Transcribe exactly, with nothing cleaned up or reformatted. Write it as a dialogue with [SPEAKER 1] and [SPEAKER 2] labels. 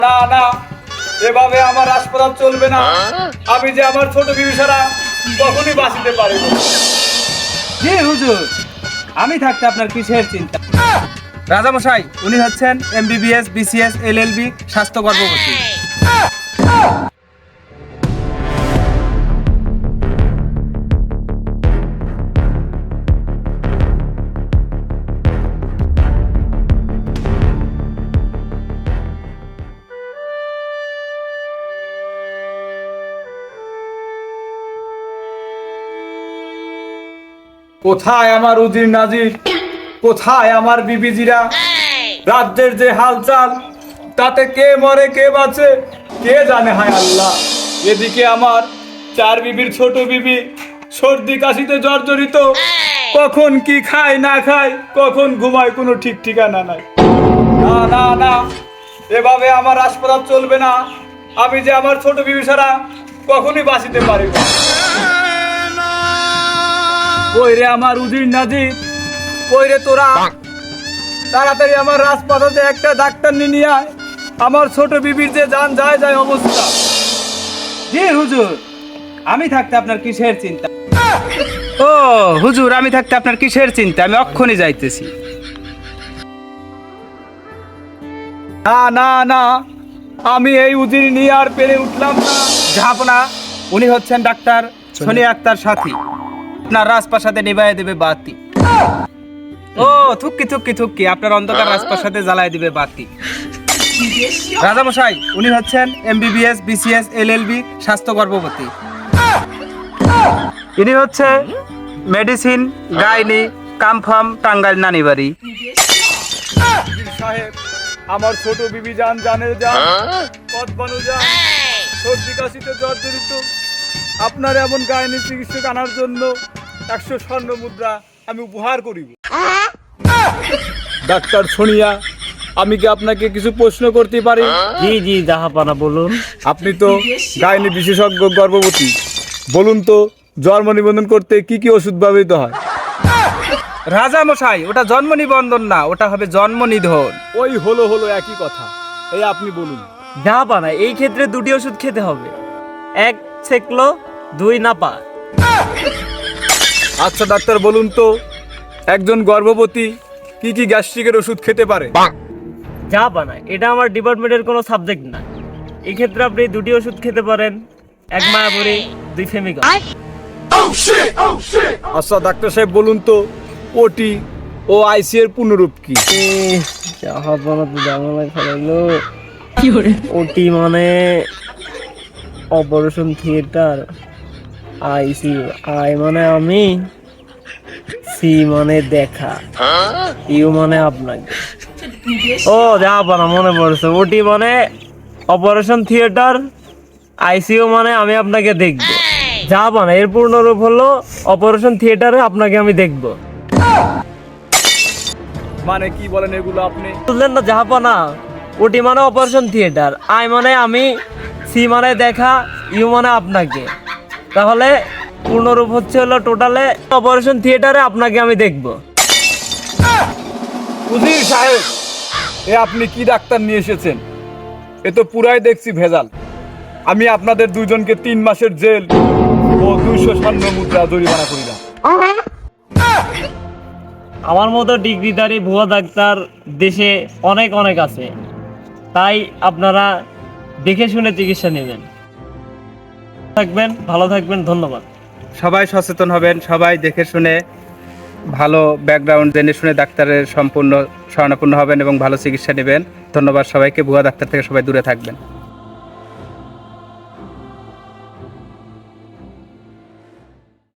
[SPEAKER 1] না না, এভাবে আমার হাসপাতাল চলবে না। আমি যে আমার ছোট বিবি ছাড়া কখনই বাঁচিতে পারিব না।
[SPEAKER 2] জি হুজুর, আমি থাকতে আপনার কিসের চিন্তা? রাজামশাই, উনি হচ্ছেন এমবিবিএস, বিসিএস, এলএলবি, স্বাস্থ্য গর্ভবতী।
[SPEAKER 1] কোথায় আমার উজির নাজির, কোথায় আমার বিবিজিরা? রাজ্যের যে হালচাল, তাতে কে মরে কে বাঁচে কে জানে, হায় আল্লাহ। এদিকে আমার চার বিবির ছোট বিবি সর্দি কাশিতে জর্জরিত, কখন কি খায় না খায়, কখন ঘুমায়, কোনো ঠিক ঠিকানা নাই। না না না, এভাবে আমার হাসপাতাল চলবে না। আমি যে আমার ছোট বিবি ছাড়া কখনই বাঁচিতে পারিব না। ওই রে আমার উজির নাজির, ওই রে তোরা তাড়াতাড়ি আমার হাসপাতালে একটা ডাক্তার নিয়ে আয়। আমার ছোট বিবির যে জান যায় যায় অবস্থা।
[SPEAKER 2] জি হুজুর, আমি থাকতে আপনার কিসের চিন্তা? ও হুজুর, আমি থাকতে আপনার কিসের চিন্তা? আমি অক্ষণই যাইতেছি।
[SPEAKER 1] না না না, আমি এই উজির নিয়ে আর পেরে উঠলাম না।
[SPEAKER 2] জাহাপনা, উনি হচ্ছেন ডাক্তার সোনিয়া আক্তার সাথী। আপনার রাজপ্রাসাদে নিভাইয়ে দেবে বাতি। ও থুক্কি থুক্কি থুক্কি, আপনার অন্ধকার রাজপ্রাসাদে জ্বালায় দিবে বাতি। রাজামশাই, উনি হচ্ছেন এমবিবিএস, বিসিএস, এলএলবি, স্বাস্থ্য গর্ভবতী। ইনি হচ্ছে মেডিসিন, গাইনি, কামফাম, টাঙ্গাইল নানিবাড়ি।
[SPEAKER 1] সাহেব, আমার ছোট বিবি জান জানের জান, পথ বানু জান, সর্দি কাশিতে জর্জরিত। আপনার এমন গাইনি চিকিৎসক আনার জন্য একশো স্বর্ণ মুদ্রা আমি উপহার করিব। ডাক্তার সোনিয়া, আমি কি আপনাকে কিছু প্রশ্ন করতে পারি?
[SPEAKER 3] জি জি জাহাপানা, বলুন।
[SPEAKER 1] আপনি তো গাইনি বিশেষজ্ঞ, গর্ভবতী। বলুন তো, জন্ম নিবন্ধন করতে কি কি ওষুধ ব্যবহৃত হয়?
[SPEAKER 2] রাজামশাই, ওটা জন্ম নিবন্ধন না, ওটা হবে জন্ম নিধন।
[SPEAKER 1] ওই হলো হলো একই কথা। এই আপনি বলুন।
[SPEAKER 3] জাহাপানা, এই ক্ষেত্রে দুটি ওষুধ খেতে হবে, এক সেকলো, দুই নাপা।
[SPEAKER 1] আচ্ছা ডাক্তার, বলুন তো, একজন গর্ভবতী কি কি গ্যাস্ট্রিকের ওষুধ খেতে পারে?
[SPEAKER 3] জাহাপানা, এটা আমার ডিপার্টমেন্টের কোনো সাবজেক্ট না। এই ক্ষেত্রে আপনি দুটি ওষুধ খেতে পারেন, এক মায়াবুড়ি, দুই ফেমিকা।
[SPEAKER 1] আচ্ছা ডাক্তার সাহেব, বলুন তো, ওটি ও আইসি এর পূর্ণরূপ কি?
[SPEAKER 3] জাহাপানা তো জামালা খেলাইলো। ওটি মানে অপারেশন থিয়েটার, আইসিইউ, আই মানে আমি, সি মানে দেখা, ইউ মানে আপনাকে। ও জাহাপানা, মনে পড়ছে, ওটি মানে অপারেশন থিয়েটার, আইসিইউ মানে আমি আপনাকে দেখব। জাহাপানা, এর পূর্ণরূপ হলো অপারেশন থিয়েটারে আপনাকে আমি দেখব।
[SPEAKER 1] মানে কি বলেন এগুলো আপনি?
[SPEAKER 3] বুঝলেন না জাহাপানা? ওটি মানে অপারেশন থিয়েটার, আই মানে আমি, সি মানে দেখা, ইউ মানে আপনাকে। তাহলে পূর্ণরূপ হচ্ছে হলো টোটালে অপারেশন থিয়েটারে আপনাকে আমি দেখব।
[SPEAKER 1] উজির সাহেব, এ আপনি কি ডাক্তার নিয়ে এসেছেন? এ তো পুরাই দেখছি ভেজাল। আমি আপনাদের দুইজনকে তিন মাসের জেল ও দুইশো স্বর্ণ মুদ্রা জরিমানা করিলাম।
[SPEAKER 3] আমার মতো ডিগ্রিধারী ভুয়া ডাক্তার দেশে অনেক অনেক আছে, তাই আপনারা দেখে শুনে চিকিৎসা নেবেন। থাকবেন, ভালো থাকবেন, ধন্যবাদ।
[SPEAKER 2] সবাই সচেতন হবেন, সবাই দেখে শুনে ভালো ব্যাকগ্রাউন্ড জেনে শুনে ডাক্তারের সম্পূর্ণ শরণাপন্ন হবেন এবং ভালো চিকিৎসা নেবেন। ধন্যবাদ সবাইকে। ভুয়া ডাক্তার থেকে সবাই দূরে থাকবেন।